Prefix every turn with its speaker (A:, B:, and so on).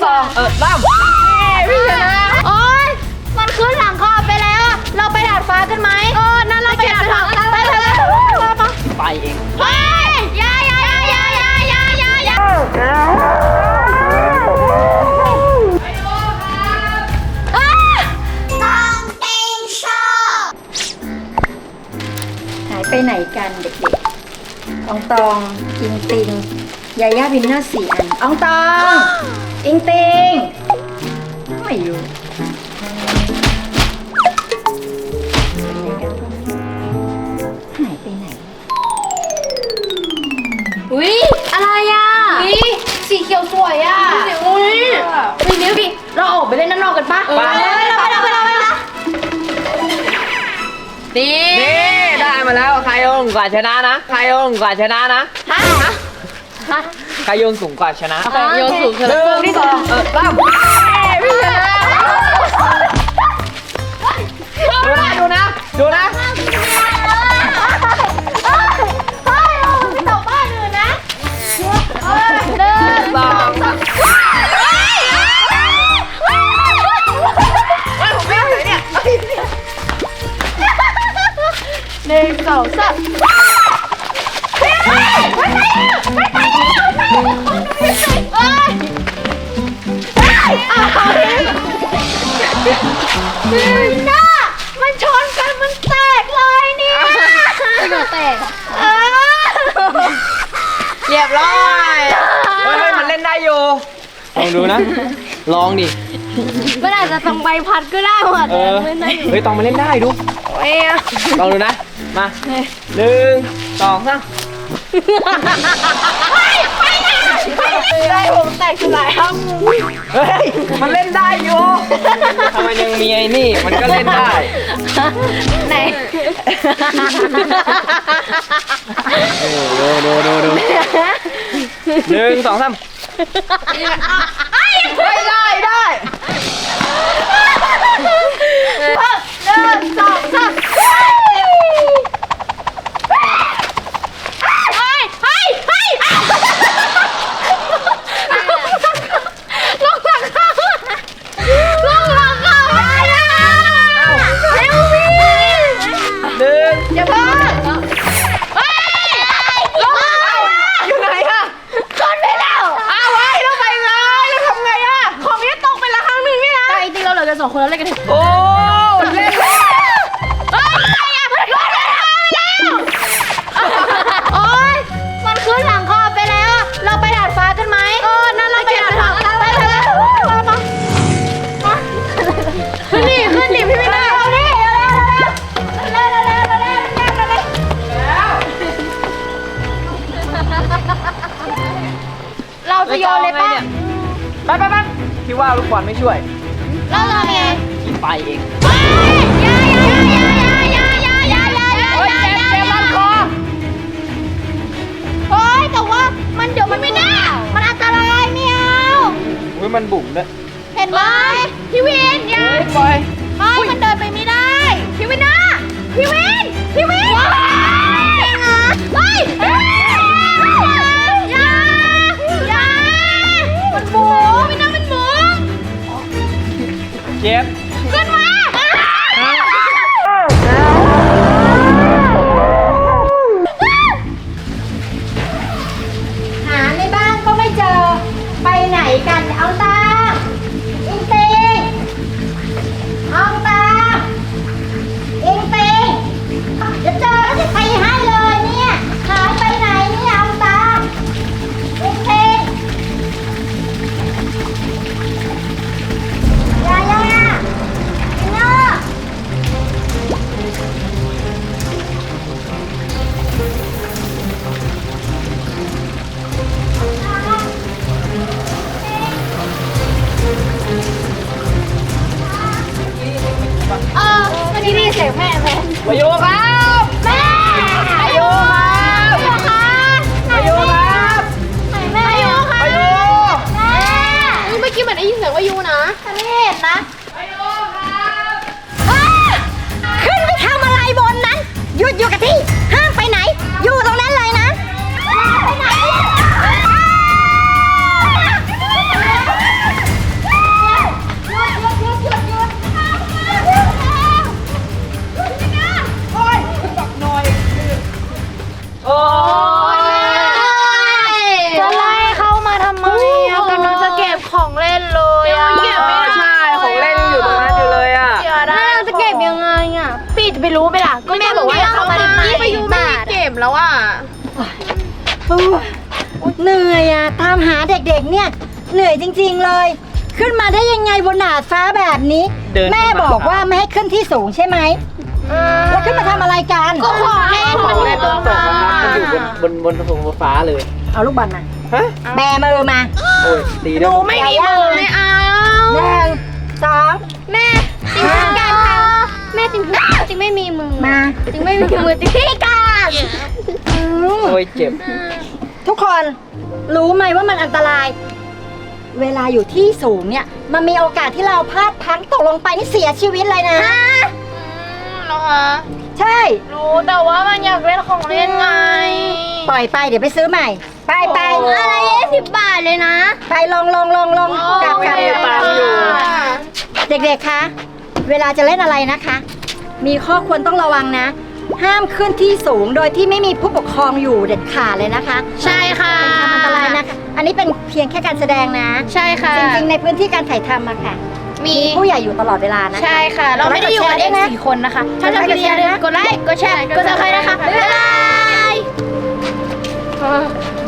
A: 2พี่ชนะ
B: โอ๊ยมันขึ้นหลังคาไปแล้วเราไปดาดฟ้ากันไหมนั่นเราไปดาดฟ้า
A: ไปเอง
B: เฮ้ยยาหายไปไหนกันเด็กๆอองตองอิงติงยาย่าวินเนอร์4 อันอองตองอิงติงไม่อยู่หายไปไหนอุ๊ยอะไรอ่ะสีเขียวสวยอ่ะอุ๊ยนี่เราออกไปเล่นด้านนอกกันปะไป
A: นี่ได้มาแล้วใครโยงกว่าชนะนะใครโยงกว่าชนะนะใครโยงสูงกว่าชนะ
B: โยนสูงชนะ
A: ที่2พี่ชนะดูนะ
B: เฮ้ยเราไปตกบ้านอื่นนะ1 2 31 2 3น่ามันชนกันมันแตกเลยเนี่ยไม่แตก
A: เรียบร้อยเฮ้ยมันเล่นได้อยู่ลองดูนะลองดิ
B: มันอาจจะต้องใบพัดก็ได้หมด
A: เฮ้ยต้องมาเล่นได้ดูลองดูนะมา1 2 3
B: ได้ผมแตกสลายครับ
A: เฮ้ยมันเล่นได้อยู่ทำไมยังมีไอ้นี่มันก็เล่นได้
B: ไหน
A: ดู1 2 3ได้
B: 1 2 32 คนแล้วเล่นกัน
A: โอ้เล่น
B: โอ๊ยมันขึ้นหลังคาไปแล้วเราไปดาดฟ้ากันไหมนั่นเราไปดาดฟ้าขึ้นดิพี่ไม่ได้เราจะโยนเลยป่ะ
A: ไปพี่ว่าลูกบอลไม่ช่วย
B: เราทำไง
A: พี่ไปเอง
B: โอ๊ยแต่ว่ามันเดี๋ยวมันไม่ได้มันอันตรายไม่เอา
A: มันบุ๋มด้วย
B: เห็นไหมพี่วินอย่า
A: ปล่อย
B: มันเดินไปไม่ได้พี่วินนะพี่วินมันบุ๋มพี่น้ามันบุ๋ม
A: เจ็บ
B: ขึ้นมาหาในบ้านก็ไม่เจอไปไหนกันเอาตาอิงติงเอาตาอิงติงจะเจอแล้วจะตีให้เลยเนี่ยหายไปไหนเนี่ยเอาตาอิงติงยาอินเนอร์วันนี้ได้เสียงแม่ไหม
A: มาโยครับ
B: แม่
A: มาโยครับมาโยครับ
B: แม่ยูค่ะ
A: มาโย
B: แม่เมื่อกี้เหมือนได้ยินเสียงว่ายูนะฉันไม่เห็นนะ
A: มาโยครับ
B: ขึ้นไปทำอะไรบนนั้นหยุดอยู่กับที่ห้ามไปไหนอยู่ตรงนั้นเลยนะไปไหนเหนื่อยอะตามหาเด็กๆเนี่ยเหนื่อยจริงๆเลย ขึ้นมาได้ยังไงบนดาดฟ้าแบบนี้ แม่บอกว่าไม่ให้ขึ้นที่สูงใช่ไหมแล้วขึ้นมาทำอะไรกัน
C: ก็ขอเล่น
A: ของเล่นต้องตกนะครับมันอยู่บนฟ้าเลย
B: เอาลูกบอลมา
A: ฮะ
B: แบมือมา
A: โอ้ยตีด้วย
C: ไม่มีมือไม่เอา
B: 1 2
C: แม่ติงพิการค่ะแม่ติงไม่มีมือ
B: มา
C: ติงไม่มีมือติงพิการ
A: โอ้ยเจ็บ
B: ทุกคนรู้ไหมว่ามันอันตราย เวลาอยู่ที่สูงเนี่ยมันมีโอกาสที่เราพลาดพลั้งตกลงไปนี่เสียชีวิตเลยนะ
C: เหรอคะ
B: ใช่
C: รู้แต่ว่ามันอยากเล่นของเล่นไง
B: ปล่อยไปเดี๋ยวไปซื้อใหม่ ไป
C: อะไร20 บาทเลยนะ
B: ไปลงกลับ
A: ตามอยู่
B: เด็กๆคะเวลาจะเล่นอะไรนะคะ มีข้อควรต้องระวังนะ ห้ามขึ้นที่สูงโดยที่ไม่มีผู้ปกครองอยู่เด็ดขาดเลยนะคะ
C: ใช่ค่ะ
B: เป็นอันตรายนะคะ อันนี้เป็นเพียงแค่การแสดงนะ
C: ใช่ค่ะ
B: จริงๆในพื้นที่การถ่ายทำอะค่ะ
C: มี
B: ผู้ใหญ่อยู่ตลอดเวลานะ
C: ใช่ค่ะ เราไม่ได้อยู่กันเอง4 คนนะคะ ถ้าชอบคลิปนี้อย่าลืมกดไลค์ กดแชร์ กดซับสไครต์นะคะ บ๊ายบาย